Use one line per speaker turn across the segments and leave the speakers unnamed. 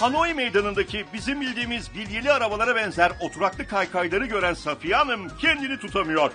Hanoi meydanındaki bizim bildiğimiz bilyeli arabalara benzer oturaklı kaykayları gören Safiye Hanım kendini tutamıyor.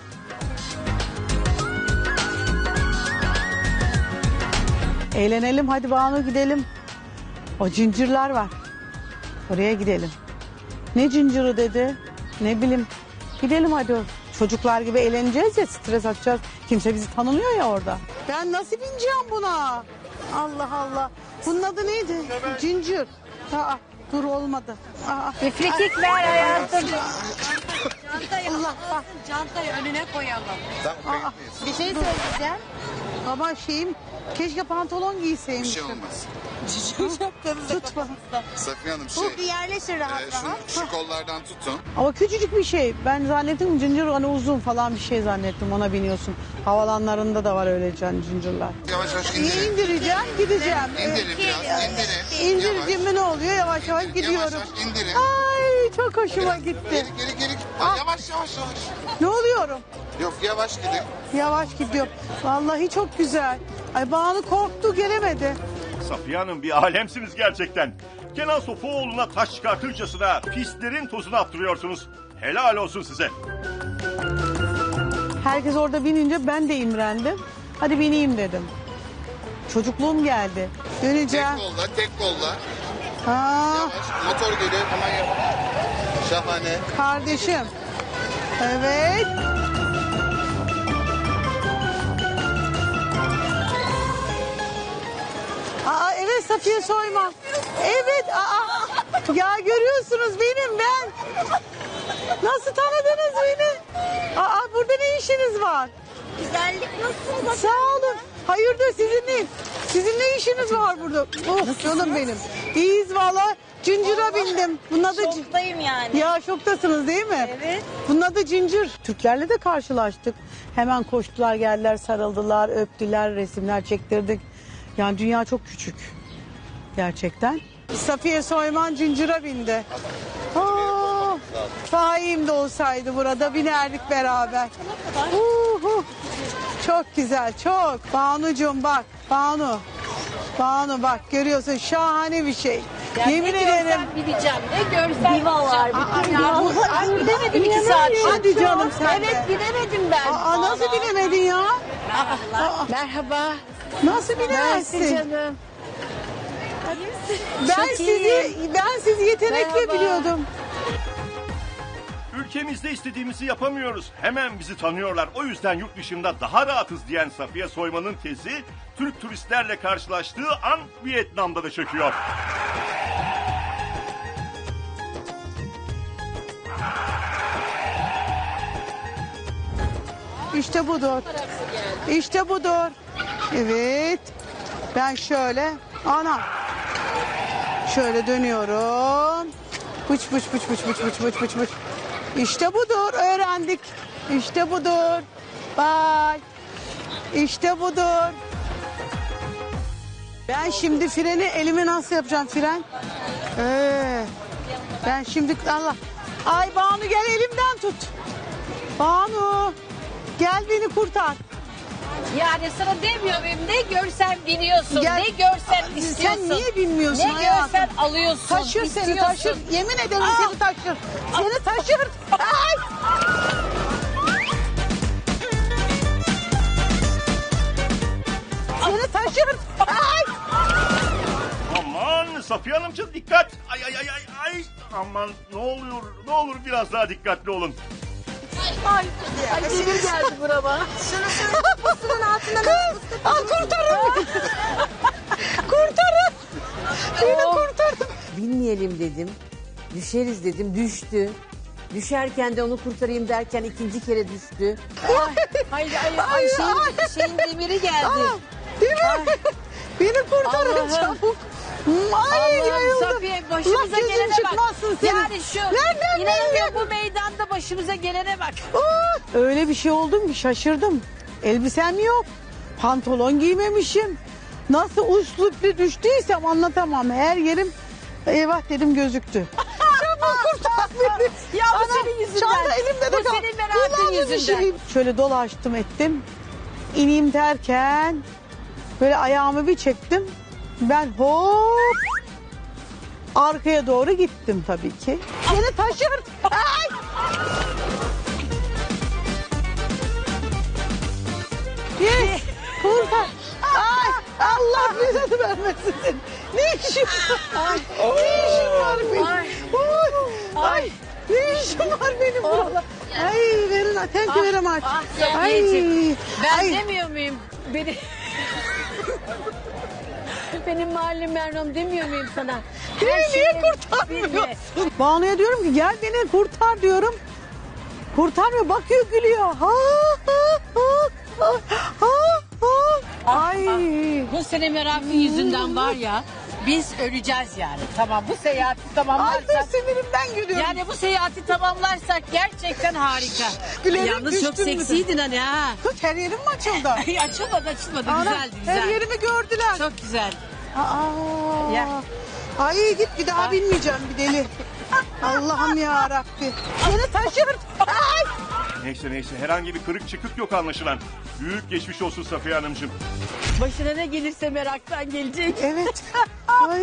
Eğlenelim hadi Banu gidelim. O cincirler var. Oraya gidelim. Ne cinciri dedi? Ne bileyim. Gidelim hadi. Çocuklar gibi eğleneceğiz ya, stres atacağız. Kimse bizi tanımıyor ya orada. Ben nasıl bineceğim buna? Allah Allah. Bunun adı neydi? Cincir. Aa, dur olmadı. Aa.
İfrikik ver hayatım.
Çantayı
Allah bak.
çantayı önüne koyalım.
Aa,
Bir şey söyleyeceğim.
ama şeyim, keşke pantolon
Bir
giyseymişim.
şey olmaz.
Tut bana.
Safiye Hanım
Bir yerleşir rahat rahat.
şu kollardan tutun.
Ama küçücük bir şey. Ben zannettim cincir hani uzun falan bir şey zannettim. Ona biniyorsun. Havalanlarında da var öyle cincirler.
Yavaş yavaş
Niye
indirin.
indireceğim? Gideceğim.
İndirin biraz, indirin.
İndireceğim mi ne oluyor? Yavaş yavaş gidiyorum.
Yavaş yavaş indirin.
Ay çok hoşuma gitti.
Geri. Yavaş yavaş.
Ne oluyorum?
Yok yavaş gidin.
Yavaş gidiyorum. Vallahi çok güzel. Ay Banu korktu gelemedi.
Safiye Hanım bir alemsiniz gerçekten. Kenan Sofuoğlu'na taş çıkartırcasına pistlerin tozunu attırıyorsunuz. Helal olsun size.
Herkes orada binince ben de imrendim. Hadi bineyim dedim. Çocukluğum geldi. Döneceğim.
Tek kolla.
Ha,
Yavaş. Motor geliyor aman yavaş. Şahane.
kardeşim. Evet. Aa, evet Safiye Soyman. Evet. Aa, ya görüyorsunuz benim ben. Nasıl tanıdınız beni? Aa, burada ne işiniz var?
Güzellik nasıl?
Sağ olun. Hayırdır sizinle? Sizin ne işiniz var burada? Oh canım benim. İyiyiz valla. Cincire bindim. Bunun adı
Şoktayım yani.
ya şoktasınız değil mi?
Evet.
Bunun adı cincir. Türklerle de karşılaştık. Hemen koştular, geldiler, sarıldılar, öptüler, resimler çektirdik. Yani dünya çok küçük. Gerçekten. Safiye Soyman cincire bindi. Aa, Faim de olsaydı burada binerdik beraber. Çok güzel, çok. Banucuğum bak, Banu. Banu bak görüyorsun şahane bir şey. Yemin ederim.
Bileceğim. Ne görsen
Diva var.
Ay gidemedim 2 saat.
Hadi canım sen de.
Evet gidemedim ben.
Aa, nasıl bilemedin ya?
Merhaba.
Nasıl bilemezsin?
Canım.
Ben sizi yetenekle
Merhaba.
biliyordum.
Ülkemizde istediğimizi yapamıyoruz. Hemen bizi tanıyorlar. O yüzden yurt dışında daha rahatız diyen Safiye Soyman'ın tezi Türk turistlerle karşılaştığı an Vietnam'da da çöküyor.
İşte budur. İşte budur. Evet. Ben şöyle. Ana. Şöyle dönüyorum. Bıç bıç bıç bıç bıç bıç bıç bıç bıç. İşte budur. Öğrendik. İşte budur. Bye. İşte budur. Ben şimdi freni elime nasıl yapacağım fren? Ben şimdi Allah. Ay Banu gel elimden tut. Banu gel beni kurtar.
Yani sana demiyor muyum? Ne görsen biniyorsun.
Gel.
Ne görsen istiyorsun.
Sen niye bilmiyorsun
Ne
hayatım?
görsen alıyorsun.
Taşır seni
istiyorsun.
taşır. Yemin ederim seni taşır. Seni taşır. Ay! Seni taşır. Ay!
Aman Safiye Hanımcığım dikkat. Ay. Aman ne olur biraz daha dikkatli olun.
Ay demir geldi burama.
Pusunun altından
Kurtarın beni. Kurtarın. Beni kurtarın.
Binmeyelim dedim. Düşeriz dedim. Düştü. Düşerken de onu kurtarayım derken ikinci kere düştü.
Ay şeyin demiri geldi.
Değil mi? Beni kurtarın
Allah'ım.
çabuk. Ay
Allah'ım
yayıldım.
Safiye başımıza
Allah gözün
gelene bak.
çıkmazsın senin.
Yani şu
Nereden
inanamıyorum bu meydanda başımıza gelene bak.
Öyle bir şey oldum ki şaşırdım. Elbisem yok. Pantolon giymemişim. Nasıl usluplu düştüysem anlatamam. Her yerim eyvah dedim gözüktü. Çabuk kurtar beni.
Ya bu senin yüzünden.
Çanta elimde de
Bu
kal.
senin merakın
Kulağımın
yüzünden.
şeyi. Şöyle dolaştım ettim. İneyim derken böyle ayağımı bir çektim. Ben hop Arkaya doğru gittim tabii ki. Beni taşır. Ay! Yes. Kurtar. Ay, Allah bize vermesin seni. Ne işin var? Ne işin var benim? Ay. Ne işin var benim burada? Ay verin atenki verem aç.
Ben
Ay.
demiyor muyum? Benim mahallim Mernom demiyor muyum sana?
Beni
Her
niye
şeyi bilme.
kurtarmıyorsun? Banu'ya diyorum ki gel beni kurtar diyorum. Kurtarmıyor, bakıyor gülüyor. Ha ha ha ha. Ay.
Bu sene merakın yüzünden var ya biz öleceğiz yani. Tamam bu seyahati
Ay
tamamlarsak.
dur sinirimden gülüyorum.
Yani bu seyahati tamamlarsak gerçekten harika.
Gülerek
Yalnız çok
düştün mü de?
seksiydin hani ha.
Kız her yerim mi açıldı?
Ay, açılmadı
Ana,
güzeldi güzel.
her yerimi gördüler.
Çok güzel.
Aa.
Ya.
Ay git bir daha binmeyeceğim bir deli. Allah'ım ya Rabbi. Beni taşır. Ay.
Neyse herhangi bir kırık çıkık yok anlaşılan. Büyük geçmiş olsun Safiye Hanımcığım.
Başına ne gelirse meraktan gelecek.
Evet. Ay.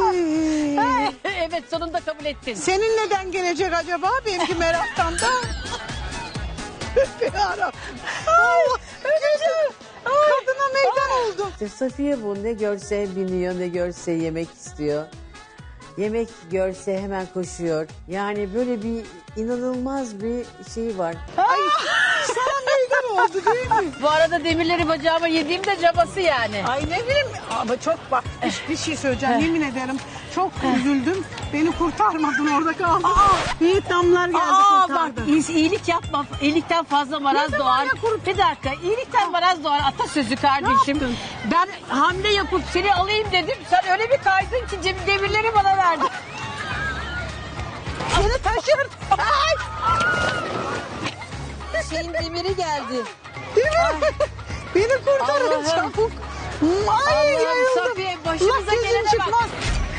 Evet sonunda kabul ettin.
Senin neden gelecek acaba? Benimki meraktan da. Yarabbim. Allah. Gözüm. Kadına meydan oldu.
İşte Safiye bu, ne görse biniyor, ne görse yemek istiyor. Yemek görse hemen koşuyor. Yani böyle bir inanılmaz bir şey var.
Ay. Sana meydan oldu değil mi?
Bu arada demirleri bacağıma yediğim de cabası yani.
Ay ne bileyim ama çok bak bir şey söyleyeceğim yemin ederim çok üzüldüm beni kurtarmadın orada kaldım. Vietnamlar geldi
Bak
kurtardı.
iyilik yapma. İyilikten fazla maraz
Ne zaman
doğar.
ya
Bir dakika. İyilikten maraz doğar atasözü kardeşim. Ben hamle yapıp seni alayım dedim. Sen öyle bir kaydın ki demirleri bana verdin.
Beni taşır. Ay.
Şeyin demiri geldi.
Değil mi? Beni kurtarın
Allah'ım.
çabuk. Ay
Allah'ım
yayıldım.
Safiye, başımıza
Allah gözüm
gelene bak.
çıkmaz.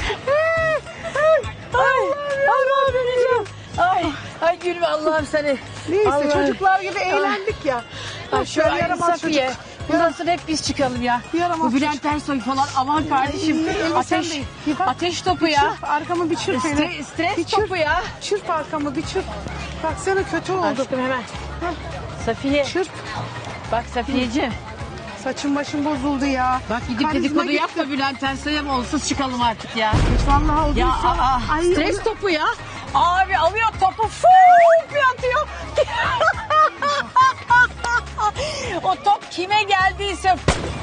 Allah'ım öleceğim. Ay gülme Allah'ım seni.
Neyse
Allah'ım.
çocuklar gibi eğlendik ya.
Ay,
Boş ver, yaramaz
Safiye.
çocuk.
Bundan sonra hep biz çıkalım ya.
Yaramaz
Bu Bülent Ersoy falan aman kardeşim.
elbisem de- Bak,
Ateş topu ya.
Çırp arkamı bir çırp hele.
Stres
Bir çırp.
topu ya.
Çırp arkamı bir çırp. Baksana kötü oldu.
Aşkım hemen. Safiye.
Çırp.
Bak Safiyeciğim.
Saçım başım bozuldu ya.
Bak gidip
Karizma
dedikodu
gitti.
yapma Bülent Ersoy'a mı olsuz çıkalım artık ya.
Hiç vallahi olduysa.
Ya
Ay,
stres
onu-
topu ya. Abi alıyor topu fuuu bir atıyor. O top kime geldiyse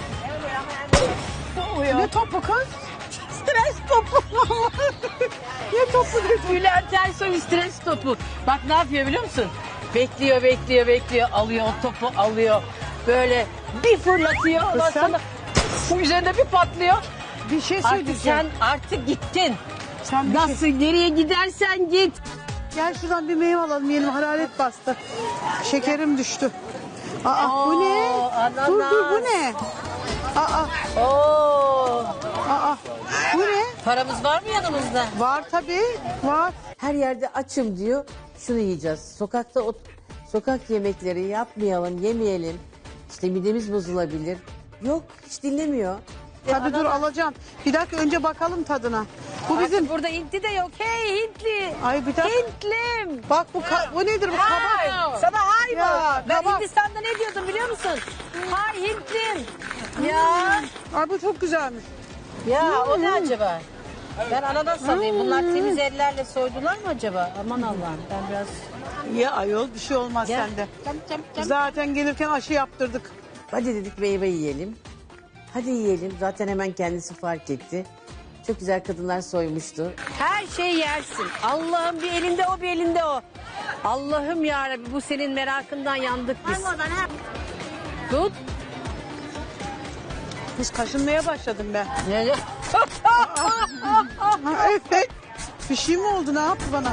Ne topu kız? Stres topu. Ne topu dedi?
Bülent Ersoy stres topu. Bak ne yapıyor biliyor musun? Bekliyor. Alıyor o topu alıyor. Böyle bir fırlatıyor. Ondan
sen-
sonra üzerinde bir patlıyor.
Bir şey
Artık
söyleyeceğim.
sen artık gittin.
Sen bir
Nasıl
şey...
nereye gidersen git.
Gel şuradan bir meyve alalım yiyelim. Hararet bastı. Şekerim düştü. Aa bu ne?
ananas.
Dur bu ne? Aa
Oo.
bu ne?
Paramız var mı yanımızda?
Var tabii. Var.
Her yerde açım diyor. Şunu yiyeceğiz. Sokakta sokak yemekleri yapmayalım, yemeyelim. İşte midemiz bozulabilir. Yok, hiç dinlemiyor.
Tabii dur alacağım. Bir dakika önce bakalım tadına. Bu bizim.
Artık burada Hintli de yok. Hey Hintli.
Ay bir dakika.
Hintlim.
Bak bu nedir bu
Hay.
kabak?
Sana hay
Ya,
mı? Ben
kabak.
Hindistan'da ne diyordum biliyor musun? Hay Hintlim. Ya.
Ay bu çok güzelmiş.
Ya o ne acaba? Ben ananas sanayım. Bunlar temiz ellerle soydular mı acaba? Aman Allah'ım ben biraz...
Ya ayol bir şey olmaz
Gel.
sende.
Cam.
Zaten gelirken aşı yaptırdık.
Hadi dedik meyve yiyelim. Hadi yiyelim. Zaten hemen kendisi fark etti. Çok güzel kadınlar soymuştu.
Her şey yersin. Allah'ım bir elinde o bir elinde o. Allah'ım yarabbim bu senin merakından yandık biz. Tut.
Kız kaşınmaya başladım ben.
Ne?
Ha, evet. Bir şey mi oldu ne yaptı bana?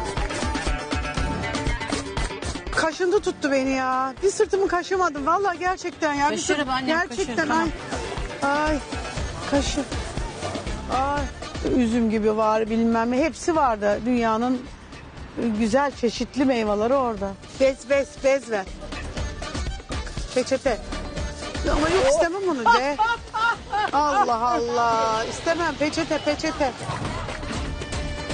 Kaşıntı tuttu beni ya. Bir sırtımı kaşımadım. Vallahi gerçekten ya. Bir
Kaşırım annem,
gerçekten
kaşırım,
ay kaşı. Ay üzüm gibi var bilmem ne. Hepsi vardı dünyanın güzel çeşitli meyveleri orada. Bez ver. Peçete. Ama yok istemem onu be. Allah Allah. İstemem peçete.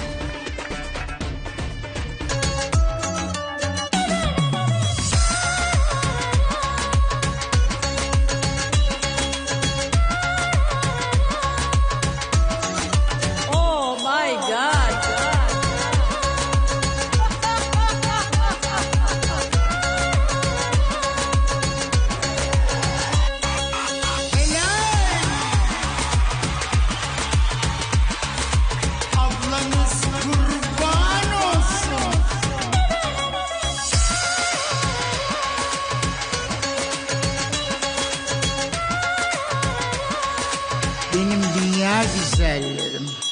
dünya güzellerim.